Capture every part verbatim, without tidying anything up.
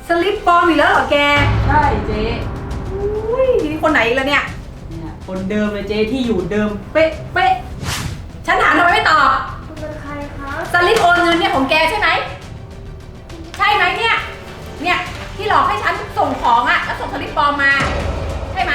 สลิปปลอมอีกแล้วเหรอแกใช่เจ๊อุ้ยนี่คนไหนอีกแล้วเนี่ยเนี่ยคนเดิมเลยเจ๊ที่อยู่เดิมเป๊ะเป๊ะฉันถามทำไมไม่ตอบคุณเป็นใครคะสลิปโอนเงินเนี่ยของแกใช่ไหมใช่ไหมเนี่ยเนี่ยที่หลอกให้ฉันส่งของอะแล้วส่งสลิปปลอมมาใช่ไหม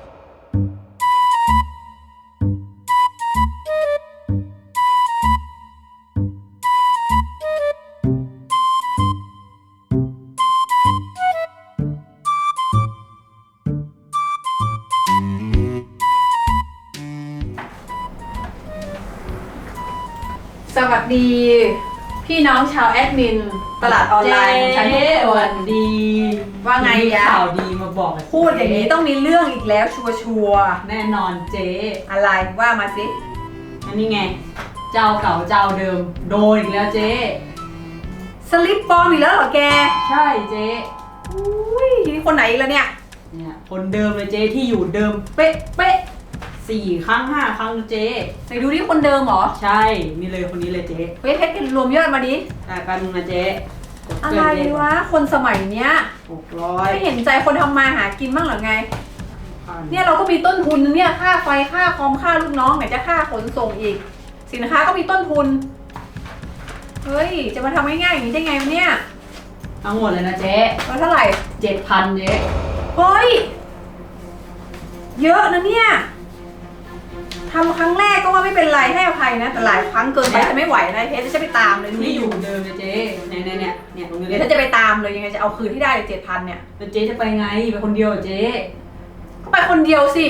สวัสดีพี่น้องชาวแอดมินตลาดออนไลน์ของฉันทุกคสวัน สดีว่าไงยะข่าวดีมาบอกพูดอย่างนี้ต้องมีเรื่องอีกแล้วชัวชัวแน่นอนเจ๊อะไรว่ามาสิอันนี้ไงเจ้าเก่าเจ้าเดิมโดนอีกแล้วเจ๊สลิปปลอมอีกแล้วเหรอแกใช่เจ๊อุ้ยนี่คนไหนอีกแล้วเนี่ยเนี่ยคนเดิมเลยเจ๊ที่อยู่เดิมเป๊ะเป๊ะสี่ครั้งห้าครั้งเจ๊ไหนดูที่คนเดิมเหรอใช่นี่เลยคนนี้เลยเจ๊เฮ้ยเพชรกันรวมยอดมาดิแต่กันนึงนะเจ๊อะไรวะคนสมัยเนี้ยหกร้อยไม่เห็นใจคนทำมาหากินบ้างหรือไงเนี่ยเราก็มีต้นทุนเนี่ยค่าไฟค่าคอมค่าลูกน้องไหนจะค่าขนส่งอีกสินค้าก็มีต้นทุนเฮ้ยจะมาทำง่ายๆอย่างนี้ได้ไงวะเนี่ยทั้งหมดเลยนะเจ๊แล้วเท่าไหร่เจ็ดพันเจ๊เฮ้ยเยอะนะเนี่ยทำครั้งแรกก็ว่าไม่เป็นไรให้อภัยนะแต่หลายครั้งเกินไปจะไม่ไหวนะเพชรจะไปตามเลยที่อยู่เดิมเลยเจ๊เนี่ยเนี่ยเนี่ยเนี่ยตรงนี้เดี๋ยวถ้าจะไปตามเลยยังไงจะเอาคืนที่ได้เจ็ดพันเนี่ยเจ๊จะไปไงไปคนเดียวเจ๊ก็ไปคนเดียวสิ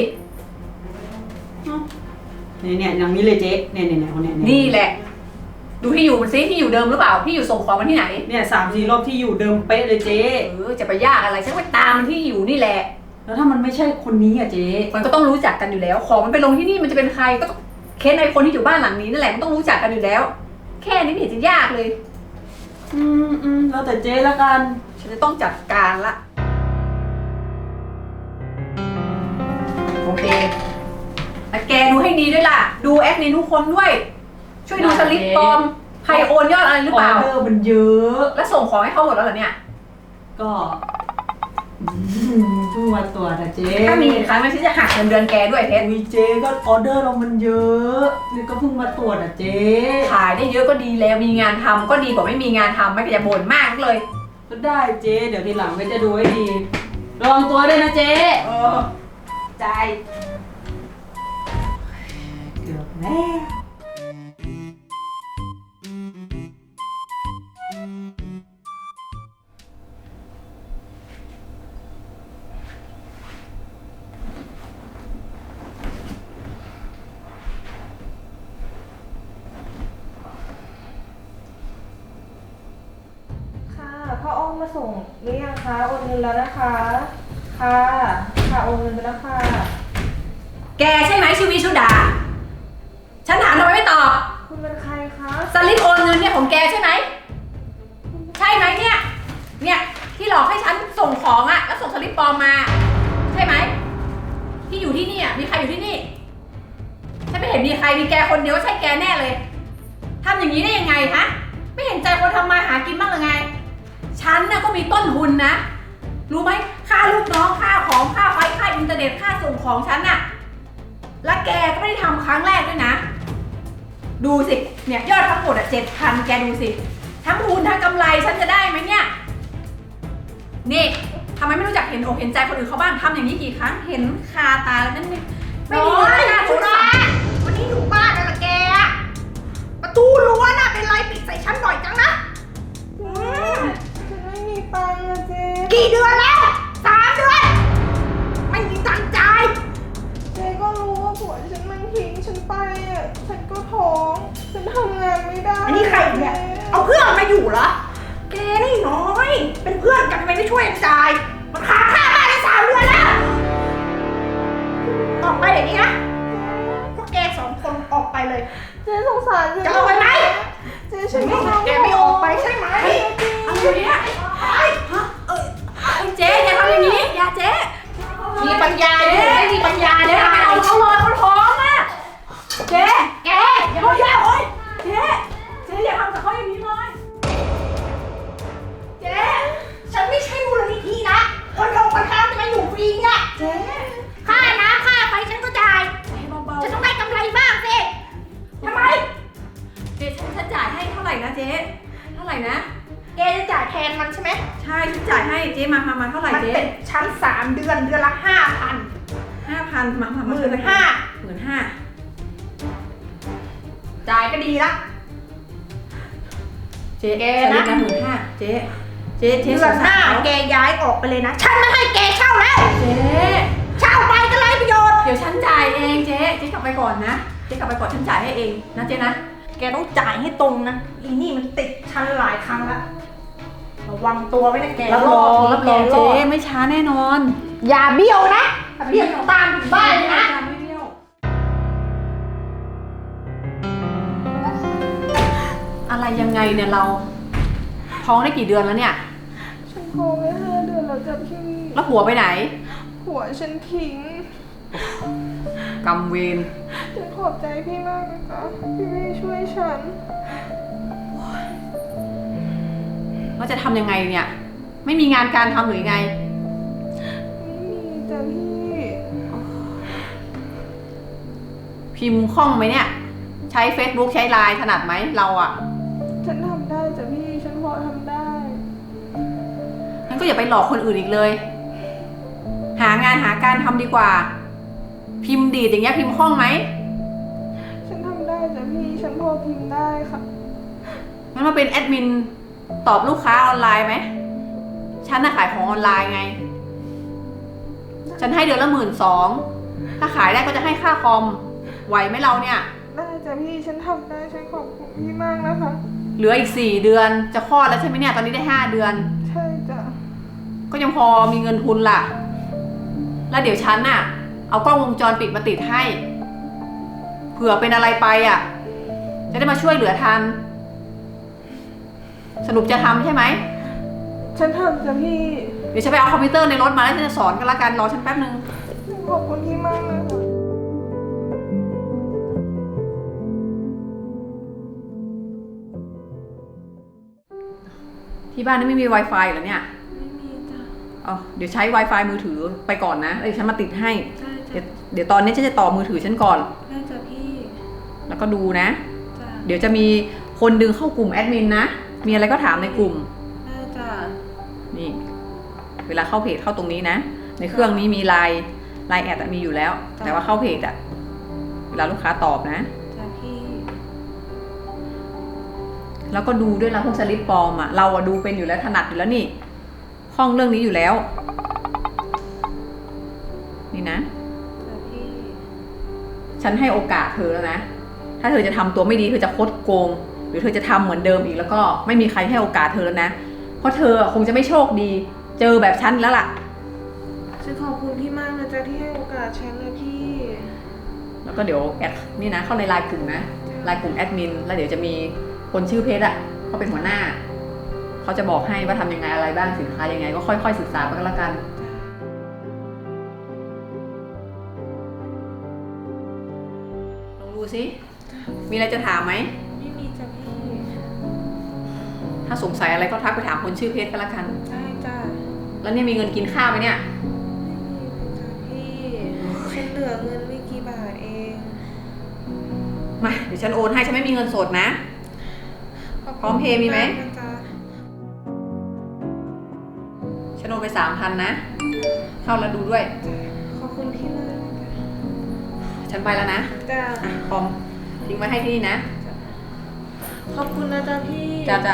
เนี่ยเนี่ยอย่างนี้เลยเจ๊เนี่ยเนี่ยเนี่ยคนเนี้ยนี่แหละดูที่อยู่มันซิที่อยู่เดิมหรือเปล่าที่อยู่ส่งของมันที่ไหนเนี่ยสามสี่รอบที่อยู่เดิมเป๊ะเลยเจ๊เออจะไปยากอะไรฉันไปตามมันที่อยู่นี่แหละแล้วถ้ามันไม่ใช่คนนี้อะเจ๊มันก็ต้องรู้จักกันอยู่แล้วของมันไปลงที่นี่มันจะเป็นใครก็ต้องเค้นไอคนที่อยู่บ้านหลังนี้นั่นแหละมันต้องรู้จักกันอยู่แล้วแค่นี้ไม่เห็นจะยากเลยอืมอืมแล้วแต่เจ๊ละกันฉันจะต้องจัดการละโอเคแต่แกดูให้ดีด้วยล่ะดูแอดมินทุกคนด้วยช่วยดูสลิปปลอมใครโอนยอดอะไรหรือเปล่าออเดอร์มันเยอะแล้วส่งของให้เขาหมดแล้วเหรอเนี่ยก็เพิ่งมาตรวจนะเจ๊ถ้ามีอีกครั้งนะฉันจะหักเงินเดือนแกด้วยเพชรมีเจ๊ก็ออเดอร์เรามันเยอะนี่ก็เพิ่งมาตรวจนะเจ๊ขายได้เยอะก็ดีแล้วมีงานทำก็ดีกว่าไม่มีงานทำไม่ก็จะบ่นมากเลยก็ได้เจ๊เดี๋ยวทีหลังก็จะดูให้ดีระวังตัวด้วยนะเจ๊เออใจเกือบแล้วพ่ออ้อมมาส่งหรือยังคะโอนเงินแล้วนะคะค่ะค่ะโอนเงินไปแล้วค่ะแกใช่ไหมชื่อวิชุดาฉันถามทำไมไม่ตอบคุณเป็นใครคะสลิปโอนเงินเนี่ยของแกใช่ไหมใช่ไหมเนี่ยเนี่ยที่หลอกให้ฉันส่งของอะแล้วส่งสลิปปลอมมาใช่ไหมที่อยู่ที่นี่อะมีใครอยู่ที่นี่ฉันไม่เห็นมีใครมีแกคนเดียวใช่แกแน่เลยทำอย่างนี้ได้ยังไงฮะไม่เห็นใจคนทำมาหากินบ้างหรือไงฉันน่ะก็มีต้นทุนนะรู้ไหมค่าลูกน้องค่าของค่าไฟค่าอินเทอร์เน็ตค่าส่งของฉันน่ะและแกก็ไม่ได้ทำครั้งแรกด้วยนะดูสิเนี่ยยอดทั้งหมดอ่ะเจ็ดพันแกดูสิทั้งทุนทั้งกำไรฉันจะได้ไหมเนี่ยนี่ทำไมไม่รู้จักเห็นอกเห็นใจคนอื่นเขาบ้างทำอย่างนี้กี่ครั้งเห็นคาตาแล้วนั่นไม่มีค่าทุนวันนี้อยู่บ้านอะไรแกประตูรั้วน่ะเป็นไรปิดใส่ฉันบ่อยจังนะฉันไม่มีตังค์อะเจ๊กี่เดือนแล้วสามเดือนไม่มีตังค์จ่ายเจ๊ก็รู้ว่าผัวฉันมันทิ้งฉันไปอ่ะฉันก็ท้องฉันทำงานไม่ได้อันนี้ใครเนี่ยเอาเพื่อนมาอยู่เหรอแกนี่น้อยเป็นเพื่อนกันทำไมไม่ช่วยจ่ายมันค้างค่าบ้านได้สามเดือนแล้วออกไปเดี๋ยวนี้นะพวกแกสองคนออกไปเลยเจ๊สงสารจะออกไปไหมเจ๊ฉันไม่แกไม่ออกไปใช่ไหมอะไรเนี่ยเจ๊อย่าทำอย่างนี้อย่าเจ๊มีปัญญาเจ๊มีปัญญาเจ๊ทำไมเอาเขาเลยเขาท้องอ่ะเจ๊แกอย่ามาอย่าโอ๊ยเจ๊เจ๊อย่าทำกับเขาอย่างนี้เลยเจ๊ฉันไม่ใช่มูลมใช่ฉันจ่ายให้เจ๊มามามาเท่าไหร่มันเจ๊เป็นชั้นสามเดือนเดือนละห้าพันห้าพันมามาหมื่นห้าหมื่นห้าจ่ายก็ดีละเจ๊แกสนะลิปละหมื่นห้าเจ๊เจ๊เจ๊เดือนหน้าสงสรเขแกย้ายออกไปเลยนะ ฉันไม่ให้แกเช่าแล้วเจ๊เช่าไปก็ไรประโยชน์เดี๋ยวฉันจ่ายเองเจ๊เจ๊กลับไปก่อนนะเจ๊กลับไปก่อนฉันจ่ายให้เองนะเจ๊นะแกต้องจ่ายให้ตรงนะ อีนี่มันติดฉันหลายครั้งแล้วระวังตัวไว้นะแกรับรองรับรองแกเจ๊ไม่ช้าแน่นอนอย่าเบี้ยวนะถ้าเบี้ยวตามถึงบ้านเลยนะไม่เบี้ยวอะไรยังไงเนี่ยเราท้องได้กี่เดือนแล้วเนี่ยฉันท้องได้ห้าเดือนแล้วจ้ะพี่แล้วหัวไปไหนผัวฉันทิ้งกำเวรฉันขอบใจพี่มากนะคะพี่ไม่ช่วยฉันเราจะทำยังไงเนี่ย ไม่มีงานการทำหรือไงไม่มีจ้ะพี่พิมพ์คล่องไหมเนี่ย ใช้ Facebook ใช้ไลน์ถนัดไหมเราอะฉันทำได้จ้ะพี่ ฉันพอทำได้งั้นก็อย่าไปหลอกคนอื่นอีกเลย หางานหาการทำดีกว่า พิมพ์ดีดอย่างเงี้ยพิมพ์คล่องไหมฉันทำได้จ้ะพี่ ฉันพอพิมพ์ได้ค่ะงั้นมาเป็นแอดมินตอบลูกค้าออนไลน์ไหม ฉันน่ะขายของออนไลน์ไง ฉันให้เดือนละหมื่นสอง ถ้าขายได้ก็จะให้ค่าคอม ไหวไหมเราเนี่ยได้จ้ะพี่ ฉันทำได้ ฉันขอบคุณพี่มากนะคะเหลืออีกสี่เดือนจะคลอดแล้วใช่ไหมเนี่ย ตอนนี้ได้ห้าเดือนใช่จ้ะก็ยังพอมีเงินทุนล่ะ แล้วเดี๋ยวฉันน่ะ เอากล้องวงจรปิดมาติดให้ เผื่อเป็นอะไรไปอ่ะ จะได้มาช่วยเหลือทัน สรุปจะทำใช่ไหมฉันทำจ้ะพี่เดี๋ยวฉันไปเอาคอมพิวเตอร์ในรถมาแล้วฉันจะสอนกันละกัน รอฉันแป๊บนึงขอบคุณพี่มากนะคะที่บ้านนี่ไม่มี Wi-Fi เหรอเนี่ยไม่มีจ้ะอ๋อเดี๋ยวใช้ Wi-Fi มือถือไปก่อนนะเดี๋ยวฉันมาติดให้ได้เดี๋ยวจ้ะเดี๋ยวตอนนี้ฉันจะต่อมือถือฉันก่อนได้จ้ะพี่แล้วก็ดูนะจ้ะเดี๋ยวจะมีคนดึงเข้ากลุ่มแอดมินนะ มีอะไรก็ถามในกลุ่มได้จ้ะนี่ เวลาเข้าเพจเข้าตรงนี้นะ ในเครื่องนี้มีไลน์ไลน์แอดมีอยู่แล้ว แต่ว่าเข้าเพจอะเวลาลูกค้าตอบนะจ้ะพี่แล้วก็ดูด้วยนะพวกสลิปปลอมอะเราอะดูเป็นอยู่แล้วถนัดอยู่แล้วนี่คล่องเรื่องนี้อยู่แล้ว นี่นะจ้ะพี่ฉันให้โอกาสเธอแล้วนะ ถ้าเธอจะทำตัวไม่ดีเธอจะคดโกง หรือเธอจะทำเหมือนเดิมอีกแล้วก็ไม่มีใครให้โอกาสเธอแล้วนะ เพราะเธอคงจะไม่โชคดี เจอแบบฉันแล้วล่ะฉันขอบคุณพี่มากนะจ๊ะที่ให้โอกาสฉันนะพี่แล้วก็เดี๋ยวแอดนี่นะเข้าในไลน์กลุ่มนะไลน์กลุ่มแอดมินแล้วเดี๋ยวจะมีคนชื่อเพชรอ่ะเขาเป็นหัวหน้าเขาจะบอกให้ว่าทำยังไงอะไรบ้างสินค้ายังไงก็ค่อยๆศึกษาไปก็แล้วกันลองดูสิมีอะไรจะถามไหมไม่มีจ้ะพี่ถ้าสงสัยอะไรก็ทักไปถามคนชื่อเพชรก็แล้วกันได้จ้ะแล้วเนี่ยมีเงินกินข้าวไหมเนี่ยไม่มีจ้ะพี่ ฉันเหลือเงินไม่กี่บาทเองมาเดี๋ยวฉันโอนให้ฉันไม่มีเงินสดนะขบคุณพร้อมเพย์มีไหมากนะจ๊ะฉันโอนไปสามพันนะ เข้าแล้วดูด้วยขอบคุณพี่มากนะจ๊ะฉันไปแล้วนะจ้ะอ่ะคอมทิ้งไว้ให้ที่นี่นะขอบคุณนะจ๊ะพี่จ้าจ้า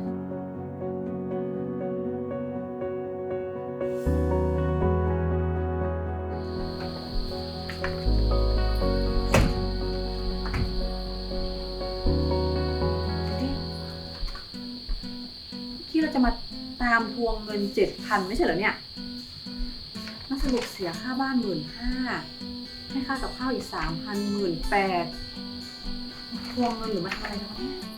ที่เราจะมาตามทวงเงินเจ็ดพันไม่ใช่เหรอเนี่ยมาสรุปเสียค่าบ้านหมื่นห้าให้ค่ากับข้าวอีกสามพันหมื่นแปดทวงเงินหรือมาทำอะไรกันวะเนี่ย